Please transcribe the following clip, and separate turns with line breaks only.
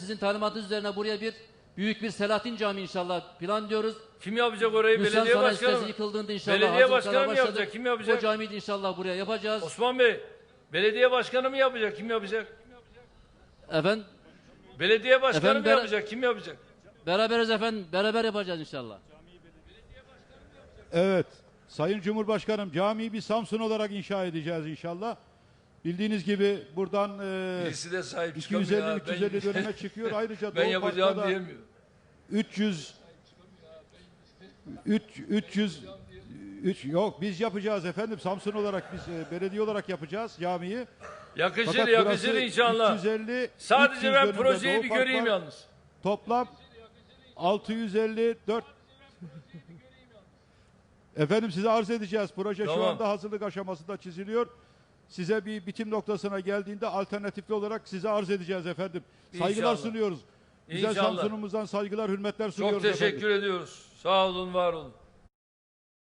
sizin talimatınız üzerine buraya büyük bir Selahattin Camii inşallah plan diyoruz.
Kim yapacak orayı?
Gülşen
Belediye
Sanayi
başkanı
Sitesi
mı?
yıkıldığında inşallah
Belediye başkanı mı
başladık.
yapacak? Kim yapacak?
O camiyi de inşallah buraya yapacağız.
Osman Bey, belediye başkanı mı yapacak? Kim yapacak?
Efendim?
Belediye başkanı
Efendim,
mı yapacak? Kim yapacak?
Beraberiz efendim. Beraber yapacağız inşallah.
Evet. Sayın Cumhurbaşkanım, camiyi bir Samsun olarak inşa edeceğiz inşallah. Bildiğiniz gibi buradan
Birisi de sahip çıkamıyor.
250-350 döneme çıkıyor. Ayrıca
Ben
Doğu
yapacağım
Park'ta da
diyemiyor.
300 yok biz yapacağız efendim. Samsun olarak biz belediye olarak yapacağız camiyi.
Yakışır,
Fakat
yakışır
burası
inşallah.
350,
Sadece
300
ben
dönümde
projeyi
Doğu
bir
Park
göreyim
var.
yalnız.
Toplam 654. Efendim size arz edeceğiz. Proje şu
Tamam.
anda hazırlık aşamasında çiziliyor. Size bir bitim noktasına geldiğinde alternatifli olarak size arz edeceğiz efendim. Saygılar
İnşallah.
sunuyoruz. Güzel
İnşallah.
Samsun'umuzdan saygılar, hürmetler sunuyoruz
Çok teşekkür
efendim.
ediyoruz. Sağ olun, var olun.